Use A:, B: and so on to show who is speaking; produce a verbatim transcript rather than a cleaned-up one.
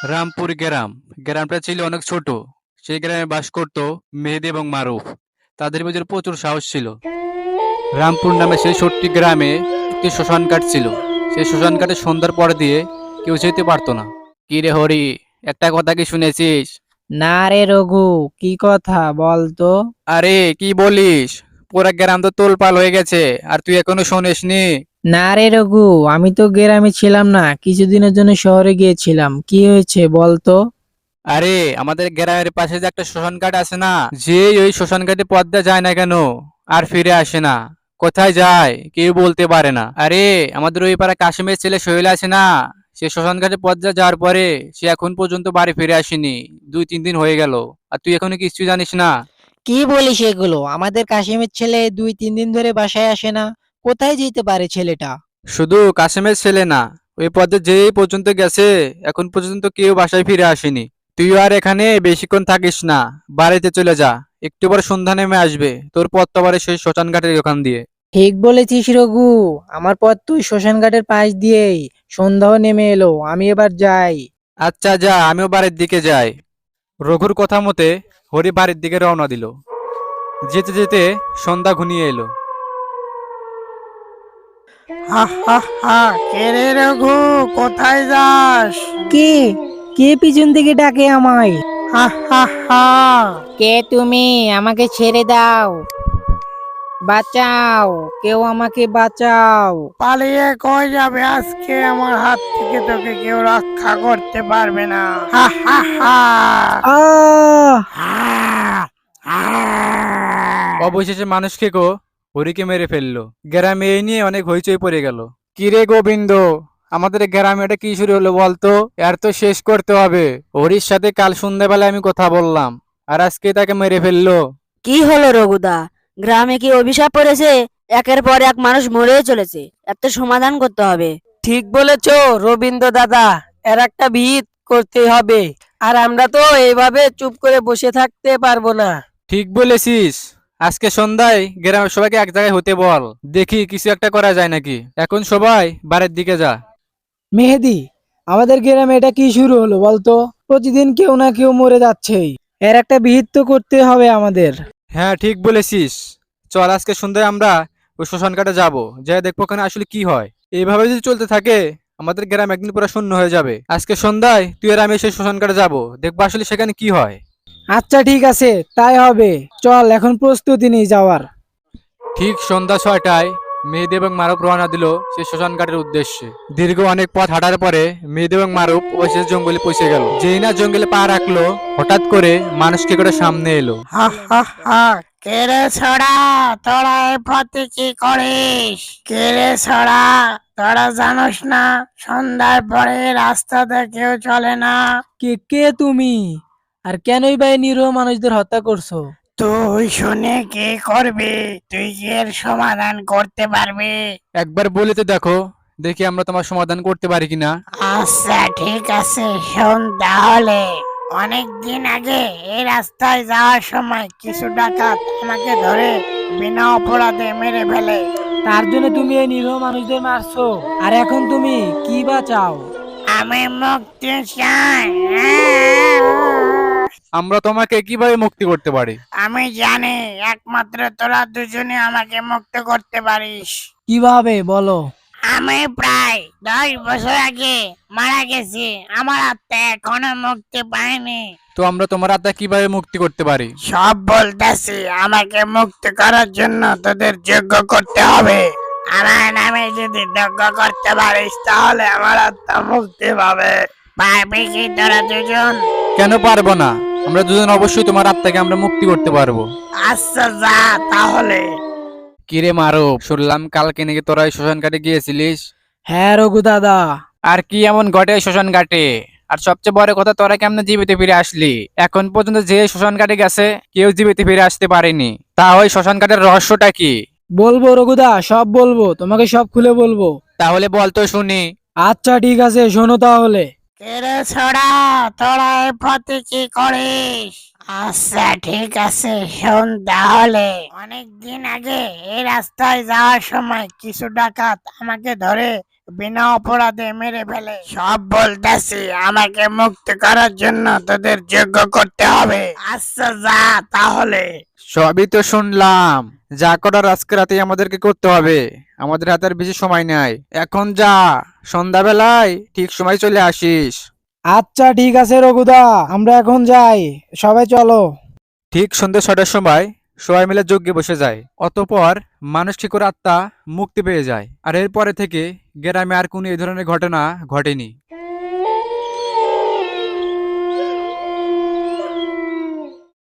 A: রামপুর গ্রাম। গ্রামটা ছিল অনেক ছোট। সেই গ্রামে বাস করত মেহেদী এবং মারুফ। তাদের ভিতরে প্রচুর সাহস ছিল। রামপুর নামে সেই ছোট্ট গ্রামে একটি শ্মশান ঘাট ছিল। সেই শ্মশান ঘাটে সন্ধ্যার পর দিয়ে কেউ যেতে পারতো না। কি রে হরি, একটা কথা কি শুনেছিস?
B: না রে রঘু, কি কথা বলতো?
A: আরে কি বলিস, পুরা গ্রাম তো তোলপাল হয়ে গেছে, আর তুই এখনো শোনিসনি?
B: না রে রঘু, আমি তো গ্রামে ছিলাম না, কিছুদিনের জন্য শহরে গিয়েছিলাম। কি হয়েছে বলতো?
A: আরে আমাদের গ্রামের পাশে যে একটা শ্মশান ঘাট আছে না, যে ওই শ্মশান ঘাটে পদ্মা যায় না কেন, আর ফিরে আসে না। কোথায় যায় কেউ বলতে পারে না। আরে আমাদের ওই পাড়া কাশিমের ছেলে সোহেল আছে না, সে শ্মশান ঘাটে পদ্মা যাওয়ার পরে সে এখন পর্যন্ত বাড়ি ফিরে আসেনি। দুই তিন দিন হয়ে গেল, আর তুই এখনো কিছু জানিস না?
B: কি বলিস এগুলো? আমাদের কাশিমের ছেলে দুই তিন দিন ধরে বাসায় আসে না। কোথায় যেতে পারে ছেলেটা?
A: শুধু কাশিমের ছেলে না, ওই পদ্মা যেই পর্যন্ত গেছে এখন পর্যন্ত কেউ বাসায় ফিরে আসেনি। তুই আর এখানে বেশিক্ষণ থাকিস না, বাড়িতে চলে যা। একটু পর সন্ধ্যা নেমে আসবে, তোর পথ তো আবার সেই শ্মশান ঘাটের ওখান দিয়ে।
B: ঠিক বলেছিস রঘু, আমার পথ তুই শ্মশান ঘাটের পাশ দিয়েই। সন্ধ্যাও নেমে এলো, আমি এবার যাই।
A: আচ্ছা যা, আমিও বাড়ির দিকে যাই। রঘুর কথা মতে হরি বাড়ির দিকে রওনা দিল। যেতে যেতে সন্ধ্যা ঘনিয়ে এলো।
C: হা হা হা, কে রে রঘু, কোথায় যাস?
B: কে? কে পিছন থেকে ডাকে আমায়?
C: হা হা হা।
B: কে তুমি? আমাকে ছেড়ে দাও, বাঁচাও, কেউ আমাকে বাঁচাও।
C: পালিয়ে কই যাবে? আজকে আমার হাত থেকে তোকে কেউ রক্ষা করতে পারবে না। হা হা হা।
B: আহ
C: হা, হা।
A: অবশেষে মানুষ খেকো হরিকে মেরে ফেললো। গ্রামে এই নিয়ে অনেক হইচই পড়ে গেল। কিরে গোবিন্দ, আমাদের গ্রামে এটা কি শুরু হলো বলতো? এর তো শেষ করতে হবে। হরির সাথে কাল সন্ধ্যাবেলায় আমি কথা বললাম, আর আজকে তাকে মেরে ফেললো।
D: কি হলো রঘুদা? গ্রামে কি অভিশাপ পড়েছে? একের পর এক মানুষ মরেই চলেছে, একটা সমাধান করতে হবে।
C: ঠিক বলেছো রবীন্দ্র দাদা, এর একটা ভিত করতে হবে। আর আমরা তো এইভাবে চুপ করে বসে থাকতে পারবো না।
A: ঠিক বলেছিস। আজকে সন্ধ্যায় গ্রামের সবাইকে এক জায়গায় হতে বল, দেখি কিছু একটা করা যায় নাকি। এখন সবাই বাড়ির দিকে যা।
B: মেহেদি, আমাদের গ্রামে এটা কি শুরু হলো বলতো? প্রতিদিন কেউ না কেউ মরে যাচ্ছেই। এর একটা বিহিত তো করতে হবে আমাদের।
A: হ্যাঁ ঠিক বলেছিস। চল আজকে সন্ধ্যায় আমরা ওই শ্মশান ঘাটে যাবো, যাই দেখবো ওখানে আসলে কি হয়। এইভাবে যদি চলতে থাকে আমাদের গ্রাম একদিন পুরো শূন্য হয়ে যাবে। আজকে সন্ধ্যায় তুই আর আমি সেই শ্মশান ঘাটে যাবো, দেখবো আসলে সেখানে কি হয়।
B: আচ্ছা ঠিক আছে, তাই হবে। চল এখন প্রস্তুতি নিয়ে যাওয়ার।
A: ঠিক সন্ধ্যা ছয়টায় মেহেদী এবং মারুফ রওনা দিল সেই শ্মশান ঘাটের উদ্দেশ্যে। দীর্ঘ অনেক পথ হাঁটার পরে মেহেদী এবং মারুফ অবশেষে জঙ্গলে পৌঁছে গেল। যেই না জঙ্গলে পা রাখলো, হঠাৎ করে মানুষকে করে সামনে এলো।
C: হা হা হা। কে রে ছড়া, তোরা এ পথে কি করিস? কে রে ছড়া, তোরা জানোস না সন্ধ্যার পরে রাস্তাতে কেউ চলে না?
B: কে কে তুমি? আর কেনই বা এই নিরীহ মানুষদের হত্যা করছো?
C: তুই শুনে কি করবি? তুই কি এর সমাধান করতে পারবি?
A: একবার বলে তো দেখো, দেখি আমরা তোমার সমাধান করতে পারি কিনা।
C: আচ্ছা ঠিক আছে, শোন তাহলে। অনেক দিন আগে এই রাস্তায় যাওয়ার সময় কিছু ডাকাত আমাকে ধরে বিনা অপরাধে মেরে ফেলে।
B: তার জন্য তুমি এই নিরীহ মানুষদের মারছো? আর এখন তুমি কি বা চাও?
C: আমি মুক্তি চাই।
A: আমরা তোমাকে কিভাবে মুক্তি করতে পারি?
C: আমি জানি একমাত্র তোরা দুজনে আমাকে মুক্ত করতে পারিস।
B: কিভাবে বলো?
C: আমি প্রায় দশ বছর আগে মারা গেছি, আমার আত্মা এখনো মুক্তি পায়নি।
A: তো আমরা তোমার আত্মা কিভাবে মুক্তি করতে পারি?
C: সব বলতেছি, আমাকে মুক্ত করার জন্য তোদের যজ্ঞ করতে হবে। আমার নামে যদি যজ্ঞ করতে পারিস তাহলে আমার আত্মা মুক্তি পাবে। পারবি কি তোরা দুজন?
A: কেন পারবো না? আমরা দুজন অবশ্যই তোমার আত্মাকে আমরা মুক্তি করতে পারবো।
C: আচ্ছা যা তাহলে।
A: কিরে মারুফ, শুনলাম কালকে নাকি তোরা এই শ্মশান ঘাটে গিয়েছিলিস।
B: হ্যাঁ রঘু দাদা।
A: আর কি এমন ঘটে এই শ্মশান ঘাটে? আর সবচেয়ে বড় কথা, তোরা কেমনে জীবিত ফিরে আসলি? এখন পর্যন্ত যে শ্মশান ঘাটে গেছে কেউ জীবিত ফিরে আসতে পারেনি। তা ওই শ্মশান ঘাটের রহস্যটা কি?
B: বলবো রঘুদা, সব বলবো, তোমাকে সব খুলে বলবো।
A: তাহলে বল তো শুনি।
B: আচ্ছা ঠিক আছে, শোনো তাহলে।
C: কেরে ছড়া, তোরা এই পথে কি করিস? আচ্ছা ঠিক আছে, শোন তাহলে। অনেক দিন আগে এই রাস্তায় যাওয়ার সময় কিছু ডাকাত আমাকে ধরে বিনা অপরাধে মেরে ফেলে। সব বলতেছি, আমাকে মুক্ত করার জন্য তোদের যোগ্য করতে হবে। আচ্ছা যা তাহলে।
A: সবই তো শুনলাম, যা করার আজকে রাতেই আমাদেরকে করতে হবে। আমাদের হাতে আর বেশি সময় নাই, এখন যা, সন্ধ্যাবেলায় ঠিক সময় চলে আসিস।
B: আচ্ছা ঠিক আছে রঘুদা, আমরা এখন যাই, সবাই চলো।
A: ঠিক সন্ধ্যে ছটার সময় সবাই মিলে যজ্ঞে বসে যায়। অতঃপর মানুষ কি করে আত্মা মুক্তি পেয়ে যায়। আর এরপরে থেকে গ্রামে আর কোনো এই ধরনের ঘটনা ঘটেনি।